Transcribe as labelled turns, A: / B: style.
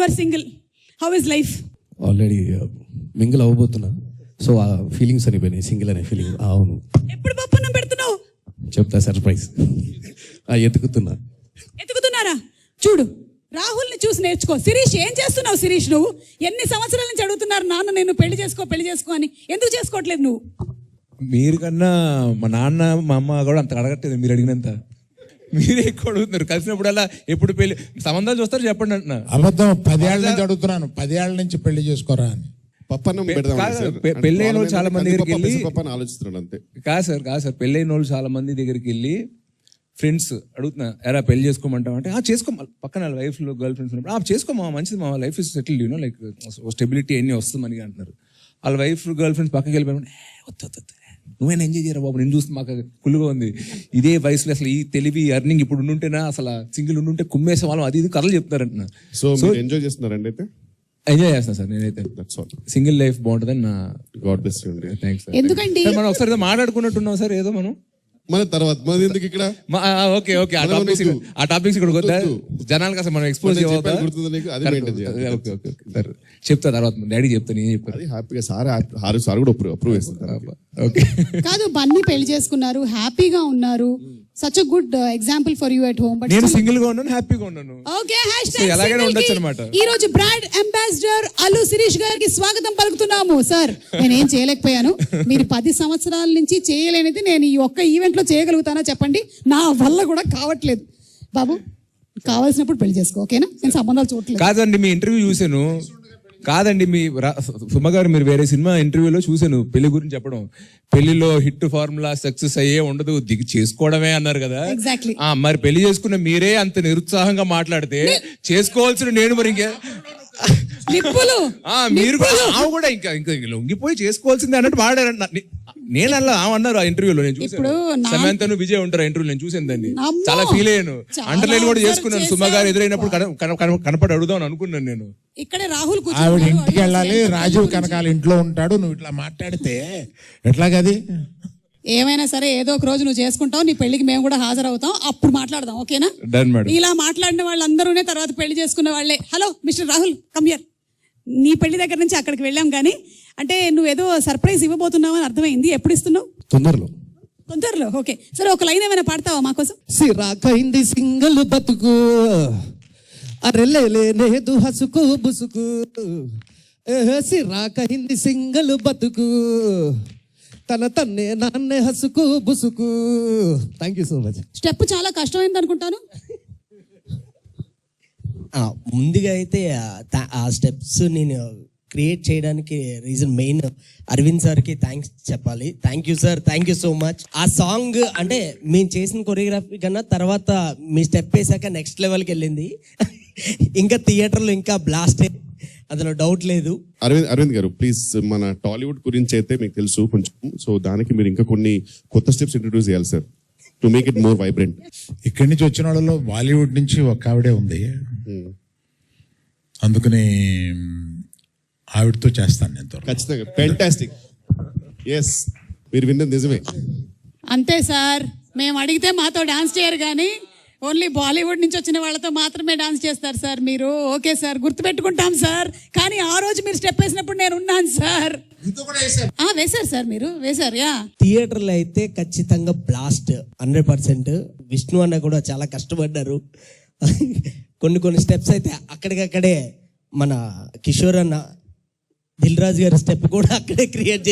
A: Are single, how is life?
B: Already mingle అవ్వబోతున్నా, so ఆ feelings అనిపోయినాయి, సింగిల్ అనే ఫీలింగ్. అవును.
A: ఎప్పుడు పప్పున్నం పెడుతున్నావు?
B: చెప్తా, సర్ప్రైజ్.
A: ఎత్తుకుతున్నారా? చూడు, రాహుల్ని చూసి నేర్చుకో. శిరీష్, ఏం చేస్తున్నావు శిరీష్? నువ్వు ఎన్ని సంవత్సరాల నుంచి అడుగుతున్నారు నాన్న నేను పెళ్లి చేసుకో అని, ఎందుకు చేసుకోవట్లేదు నువ్వు?
C: మీరు కన్నా మా నాన్న మా అమ్మ కూడా అంత అడగట్లేదు మీరు అడిగినంత. మీరే ఎక్కువ అడుగుతున్నారు. కలిసినప్పుడల్లా ఎప్పుడు పెళ్లి సంబంధాలు చూస్తారు చెప్పండి అంటున్నా.
D: అబద్ధం. 10 ఏళ్ళ నుంచి అడుగుతున్నాను, 10 ఏళ్ళ నుంచి పెళ్లి చేసుకోరా అని.
C: పెళ్ళైన వాళ్ళు చాలా మంది దగ్గరికి వెళ్ళి
E: ఆలోచిస్తున్నాడు అంతే.
C: కాదు సార్ పెళ్ళైన వాళ్ళు చాలా మంది దగ్గరికి వెళ్ళి ఫ్రెండ్స్ అడుగుతున్నా, ఎరా పెళ్లి చేసుకోమంటావు అంటే చేసుకో, పక్కన వైఫ్ గర్ల్ ఫ్రెండ్స్ ఉన్నప్పుడు చేసుకోమా, మంచిది మా life is settled, you know like stability అన్ని వస్తుందని అంటున్నారు. వాళ్ళ వైఫ్ గర్ల్ ఫ్రెండ్స్ పక్కకి వెళ్ళిపోయి వద్దు నువ్వైనా ఎంజాయ్ చేయరా బాబు, నేను చూస్తే మాకు కుళ్ళుగా ఉంది. ఇదే వయసులో అసలు ఈ తెలివి అర్నింగ్ ఇప్పుడు ఉండుంటేనా, అసలు సింగిల్ ఉండుంటే కుమ్మేసే వాళ్ళం, అది ఇది కథలు చెప్తారంటున్నా.
E: సో ఎంజాయ్ చేస్తున్నారండి? అయితే
C: ఎంజాయ్ చేస్తాను సార్ నేనైతే. సింగిల్ లైఫ్ బాగుంటుందని నా
E: God bless you.
C: Thanks sir.
A: ఎందుకండి
C: మనం ఒకసారి ఏదో మాట్లాడుకున్నట్టున్నాం సార్, ఏదో మనం
E: మన తర్వాత మనది ఎందుకు ఇక్కడ?
C: ఓకే ఆ టాపిక్స్ ఇక్కడ వద్దా, జనాలకు అసలు మనం ఎక్స్పోజ్ చేయవద్దా? సార్ చెప్తా తర్వాత, డాడీ చెప్తాను, ఏం చెప్తాను.
E: హ్యాపీగా సార్ కూడా అప్రూవ్ చేస్తారు.
C: ఓకే
A: కాదు, బన్నీ పెళ్లి చేసుకున్నారు, హ్యాపీగా ఉన్నారు. Such a good example for you at home. But
C: నేను సింగిల్ గా ఉన్నాను, హ్యాపీగా ఉన్నాను.
A: ఓకే,
C: ఎలాగైనా ఉండొచ్చు అన్నమాట.
A: ఈ రోజు బ్రాండ్ అంబాసిడర్ అల్లు శిరీష్ గారికి స్వాగతం పలుకుతున్నాము. సార్, నేనేం చేయలేకపోయాను, మీరు 10 సంవత్సరాల నుంచి చేయలేనిది నేను ఈ ఒక్క ఈవెంట్ లో చేయగలుగుతానా చెప్పండి? నా వల్ల కూడా కావట్లేదు. బాబు, కావాల్సినప్పుడు పెళ్లి చేసుకో, ఓకేనా? నేను సంబంధాలు చూడలేదు.
C: కాదండి, మీ ఇంటర్వ్యూ చూసాను. కాదండి, మీ సుమ గారు మీరు వేరే సినిమా ఇంటర్వ్యూలో చూసాను పెళ్లి గురించి చెప్పడం. పెళ్లిలో హిట్ ఫార్ములా సక్సెస్ అయ్యే ఉండదు, దిగి చేసుకోవడమే అన్నారు కదా.
A: ఎగ్జాక్ట్లీ.
C: మరి పెళ్లి చేసుకున్న మీరే అంత నిరుత్సాహంగా మాట్లాడితే చేసుకోవాల్సిన నేను మరి ఇంకా మీరు కూడా ఇంకా లొంగిపోయి చేసుకోవాల్సిందే అన్నట్టు వాడారంట. నేను అలా అన్నారు ఆ ఇంటర్వ్యూలో, నేను చూసాను. సమంతను విజయ్ ఉంటారు ఇంటర్వ్యూ, నేను చూసాను దాన్ని, చాలా ఫీల్ అయ్యాను. అండర్లైన్ కూడా చేసుకున్నాను. సుమ గారు ఎదురైనప్పుడు కనపడి అడుగుదాం అనుకున్నాను నేను.
A: ఇక్కడే రాహుల్
D: ఆవిడ ఇంటికి వెళ్ళాలి, రాజీవ్ కనకాల ఇంట్లో ఉంటాడు, నువ్వు ఇట్లా మాట్లాడితే ఎట్లాగది?
A: ఏమైనా సరే ఏదో ఒక రోజు నువ్వు చేసుకుంటావు, నీ పెళ్లికి మేము కూడా హాజరవుతాం, అప్పుడు మాట్లాడదాం, ఓకేనా? ఇలా మాట్లాడిన వాళ్ళందరూనే తర్వాత పెళ్లి చేసుకున్న వాళ్ళే. Hello mister Rahul, come here. నీ పెళ్లి దగ్గర నుంచి అక్కడికి వెళ్ళాం కానీ, అంటే నువ్వేదో సర్ప్రైజ్ ఇవ్వబోతున్నావు అని అర్థమైంది. ఎప్పుడు ఇస్తున్నావు? తొందరలో. ఓకే, సరే ఒక లైన్ ఏమైనా పాడతావా మా కోసం?
B: సిరాకైంది సింగల్ బతుకు, అరెలేలేదు హసుకు బుసుకు, సిరాకైంది సింగల్ బతుకు, తన తన్నే నాన్నే హసుకు బుసుకు. Thank you so much.
A: Step చాలా కష్టమైంది అనుకుంటాను.
F: ముందుగా అయితే ఆ స్టెప్స్ నేను క్రియేట్ చేయడానికి రీజన్ మెయిన్ అరవింద్ సార్కి థ్యాంక్స్ చెప్పాలి. Thank you sir, thank you so much. ఆ సాంగ్ అంటే మేము చేసిన కొరియోగ్రఫీ కన్నా తర్వాత మీ స్టెప్ వేసాక నెక్స్ట్ లెవెల్కి వెళ్ళింది. ఇంకా థియేటర్లో ఇంకా బ్లాస్ట్, అందులో డౌట్ లేదు.
E: అరవింద్ గారు ప్లీజ్, మన టాలీవుడ్ గురించి అయితే మీకు తెలుసు కొంచెం, సో దానికి మీరు ఇంకా కొన్ని కొత్త స్టెప్స్ ఇంట్రడ్యూస్ చేయాలి sir, to make it more vibrant.
D: ఇక్కడి నుంచి వచ్చిన వాళ్ళలో బాలీవుడ్ నుంచి ఒక ఆవిడే ఉంది, అందుకని ఆవిడతో చేస్తాను నేను
E: ఖచ్చితంగా. ఫ్యాంటాస్టిక్. ఎస్, మీరు విన్నది నిజమే.
A: అంతే సార్, మేము అడిగితే మాతో డాన్స్ చేయరు కానీ ఓన్లీ బాలీవుడ్ నుంచి వచ్చిన వాళ్ళతో మాత్రమే డాన్స్ చేస్తారు సార్ మీరు. ఓకే సార్, గుర్తుపెట్టుకుంటాం సార్. కానీ ఆ రోజు మీరు స్టెప్ వేసినప్పుడు నేను ఉన్నాను సార్. వేశారు సార్, మీరు వేశారు.
F: థియేటర్లో అయితే ఖచ్చితంగా బ్లాస్ట్ 100%. విష్ణు అన్న కూడా చాలా కష్టపడ్డారు. కొన్ని స్టెప్స్ అయితే అక్కడికక్కడే మన కిషోర్ అన్న, దిల్ రాజు గారి స్టెప్ కూడా అక్కడే క్రియేట్